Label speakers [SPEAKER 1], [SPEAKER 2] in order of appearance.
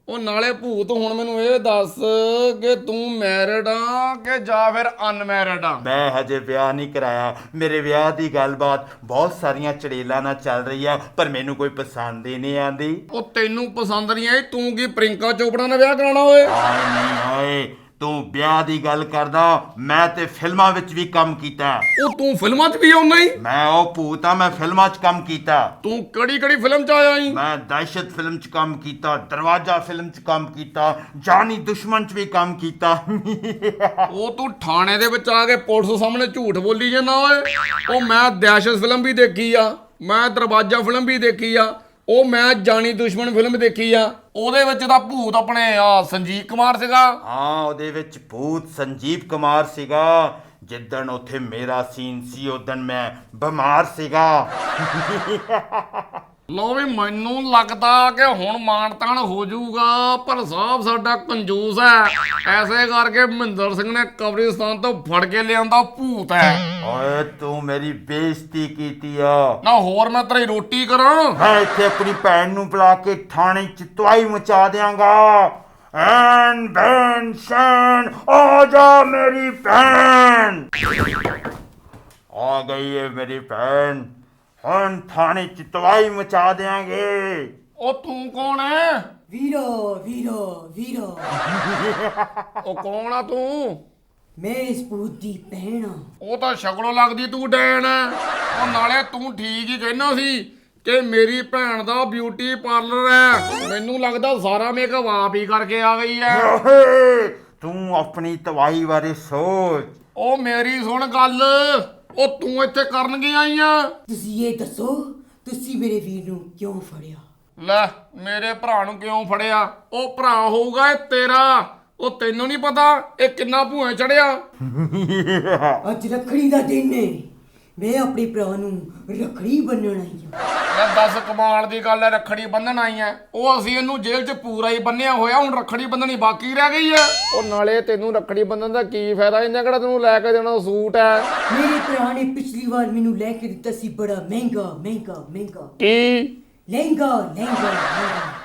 [SPEAKER 1] ਉਹ ਨਾਲੇ ਭੂਤ ਹੁਣ ਮੈਨੂੰ ਇਹ ਦੱਸ ਕਿ ਤੂੰ ਮੈਰਿਡ ਆ ਕਿ ਜਾਂ ਫਿਰ ਅਨਮੈਰਿਡ ਆ।
[SPEAKER 2] ਮੈਂ ਹਜੇ ਵਿਆਹ ਨਹੀਂ ਕਰਾਇਆ। ਮੇਰੇ ਵਿਆਹ ਦੀ ਗੱਲਬਾਤ ਬਹੁਤ ਸਾਰੀਆਂ ਚੜੇਲਾਂ ਨਾਲ ਚੱਲ ਰਹੀ ਆ, ਪਰ ਮੈਨੂੰ ਕੋਈ ਪਸੰਦ ਹੀ ਨਹੀਂ ਆਂਦੀ।
[SPEAKER 1] ਉਹ ਤੈਨੂੰ ਪਸੰਦ ਨਹੀਂ ਆਈ, ਤੂੰ ਕੀ ਪ੍ਰਿੰਕਾ ਚੋਪੜਾ ਨਾਲ ਵਿਆਹ ਕਰਾਉਣਾ ਓਏ?
[SPEAKER 2] ਹਾਏ ਨਹੀਂ ਹਾਏ, ਤੂੰ ਵਿਆਹ ਦੀ ਗੱਲ ਕਰਦਾ, ਮੈਂ ਤੇ ਫਿਲਮਾਂ ਵਿੱਚ ਵੀ ਕੰਮ ਕੀਤਾ।
[SPEAKER 1] ਉਹ ਤੂੰ ਫਿਲਮਾਂ 'ਚ ਵੀ ਆਉਣਾ ਹੀ?
[SPEAKER 2] ਮੈਂ ਉਹ ਭੂਤ ਆ, ਮੈਂ ਫਿਲਮਾਂ 'ਚ ਕੰਮ ਕੀਤਾ।
[SPEAKER 1] ਤੂੰ ਕਿਹੜੀ ਫਿਲਮ 'ਚ ਆਇਆ ਈ?
[SPEAKER 2] ਮੈਂ ਦਹਿਸ਼ਤ ਫਿਲਮ 'ਚ ਕੰਮ ਕੀਤਾ, ਦਰਵਾਜ਼ਾ ਫਿਲਮ 'ਚ ਕੰਮ ਕੀਤਾ, ਜਾਨੀ ਦੁਸ਼ਮਣ 'ਚ ਵੀ ਕੰਮ ਕੀਤਾ।
[SPEAKER 1] ਉਹ ਤੂੰ ਥਾਣੇ ਦੇ ਵਿੱਚ ਆ ਕੇ ਪੁਲਿਸ ਸਾਹਮਣੇ ਝੂਠ ਬੋਲੀ ਜਾਂਦਾ ਓਏ। ਉਹ ਮੈਂ ਦਹਿਸ਼ਤ ਫਿਲਮ ਵੀ ਦੇਖੀ ਆ, ਮੈਂ ਦਰਵਾਜ਼ਾ ਫਿਲਮ ਵੀ ਦੇਖੀ ਆ, ਉਹ ਮੈਂ ਜਾਨੀ ਦੁਸ਼ਮਣ ਫਿਲਮ ਦੇਖੀ ਆ। ਉਹਦੇ ਵਿੱਚ ਤਾਂ ਭੂਤ ਆਪਣੇ ਸੰਜੀਵ ਕੁਮਾਰ ਸੀਗਾ।
[SPEAKER 2] ਹਾਂ, ਉਹਦੇ ਵਿੱਚ ਭੂਤ ਸੰਜੀਵ ਕੁਮਾਰ ਸੀਗਾ। ਜਿੱਦਣ ਉੱਥੇ ਮੇਰਾ ਸੀਨ ਸੀ ਉਦਣ ਮੈਂ ਬਿਮਾਰ ਸੀਗਾ।
[SPEAKER 1] ਲੋ ਵੀ ਮੈਨੂੰ ਲੱਗਦਾ ਕਿ ਹੁਣ ਮਾਨਤਾਨ ਹੋ ਜਾਊਗਾ, ਪਰ ਸਾਹਿਬ ਸਾਡਾ ਕੰਜੂਸ ਹੈ, ਐਸੇ ਕਰਕੇ ਮਹਿੰਦਰ ਸਿੰਘ ਨੇ ਕਬਰਿਸਤਾਨ ਤੋਂ ਫੜ ਕੇ ਲਿਆਂਦਾ ਭੂਤ ਹੈ।
[SPEAKER 2] ਓਏ ਤੂੰ ਮੇਰੀ ਬੇਇੱਜ਼ਤੀ ਕੀਤੀ ਆ
[SPEAKER 1] ਨਾ ਹੋਰ ਮੈਂ ਤੇਰੀ ਰੋਟੀ ਕਰਾਂ?
[SPEAKER 2] ਮੈਂ ਇੱਥੇ ਆਪਣੀ ਭੈਣ ਨੂੰ ਬੁਲਾ ਕੇ ਥਾਣੇ 'ਚ ਤਵਾਈ ਮਚਾ ਦਿਆਂਗਾ। ਐਨ ਭੈਣ ਸ਼ੈਨ ਆ ਜਾ, ਮੇਰੀ ਭੈਣ ਆ ਗਈ ਹੈ। ਮੇਰੀ ਭੈਣ ਹੁਣ ਥਾਣੇ 'ਚ ਤਵਾਈ ਮਚਾ ਦਿਆਂਗੇ।
[SPEAKER 1] ਉਹ ਤੂੰ ਕੌਣ ਹੈ?
[SPEAKER 3] ਵੀਰੋ ਵੀਰੋ ਵੀਰੋ,
[SPEAKER 1] ਉਹ ਕੌਣ ਆ ਤੂੰ?
[SPEAKER 3] ਮੈਂ ਇਸ ਭੂਤ ਦੀ ਭੈਣ ਆ।
[SPEAKER 1] ਉਹ ਤਾਂ ਸ਼ਕਲੋਂ ਲੱਗਦੀ ਤੂੰ ਡੈਣ ਹੈ। ਉਹ ਨਾਲੇ ਤੂੰ ਠੀਕ ਹੀ ਕਹਿਣਾ ਸੀ ਕਿ ਮੇਰੀ ਭੈਣ ਦਾ ਬਿਊਟੀ ਪਾਰਲਰ ਹੈ। ਮੈਨੂੰ ਲੱਗਦਾ ਸਾਰਾ ਮੇਕਅਪ ਆਪ ਹੀ ਕਰਕੇ ਆ ਗਈ ਹੈ।
[SPEAKER 2] ਓਏ, ਤੂੰ ਆਪਣੀ ਤਵਾਈ ਬਾਰੇ ਸੋਚ।
[SPEAKER 1] ਉਹ ਮੇਰੀ ਸੁਣ ਗੱਲ, ਉਹ ਤੂੰ ਇੱਥੇ ਕਰਨ ਕੀ ਆਈ ਆ?
[SPEAKER 3] ਤੁਸੀਂ ਇਹ ਦੱਸੋ, ਤੁਸੀਂ ਮੇਰੇ ਵੀਰ ਨੂੰ ਕਿਉਂ ਫੜਿਆ?
[SPEAKER 1] ਲੈ, ਮੇਰੇ ਭਰਾ ਨੂੰ ਕਿਉਂ ਫੜਿਆ? ਉਹ ਭਰਾ ਹੋਊਗਾ ਇਹ ਤੇਰਾ। ਉਹ ਤੈਨੂੰ ਨਹੀਂ ਪਤਾ ਇਹ ਕਿੰਨਾ ਭੂਏ ਚੜਿਆ?
[SPEAKER 3] ਅੱਜ ਰੱਖੜੀ ਦਾ ਦਿਨ ਹੈ, ਮੈਂ ਆਪਣੇ ਭਰਾ ਨੂੰ ਰੱਖੜੀ ਬੰਨਣ ਆਈ ਹਾਂ।
[SPEAKER 1] ਲੈ ਦੱਸ, ਕਮਾਲ ਦੀ ਗੱਲ ਹੈ, ਰੱਖੜੀ ਬੰਨਣ ਆਈ ਐ? ਉਹ ਅਸੀਂ ਇਹਨੂੰ ਜੇਲ੍ਹ 'ਚ ਪੂਰਾ ਹੀ ਬੰਨਿਆ ਹੋਇਆ, ਹੁਣ ਰੱਖੜੀ ਬੰਨਣੀ ਬਾਕੀ ਰਹਿ ਗਈ ਐ। ਉਹ ਨਾਲੇ ਤੈਨੂੰ ਰੱਖੜੀ ਬੰਨਣ ਦਾ ਕੀ ਫਾਇਦਾ? ਇਹਨੇ ਕਿਹੜਾ ਤੈਨੂੰ ਲੈ ਕੇ ਦੇਣਾ ਸੂਟ ਐ?
[SPEAKER 3] ਮੇਰੇ ਭਰਾ ਨੇ ਪਿਛਲੀ ਵਾਰ ਮੈਨੂੰ ਲੈ ਕੇ ਦਿੱਤਾ ਸੀ ਬੜਾ ਮਹਿੰਗਾ ਮਹਿੰਗਾ ਮਹਿੰਗਾ
[SPEAKER 1] ਕੀ?
[SPEAKER 3] ਲਹਿੰਗਾ ਲਹਿੰਗਾ ਲਹਿੰਗਾ।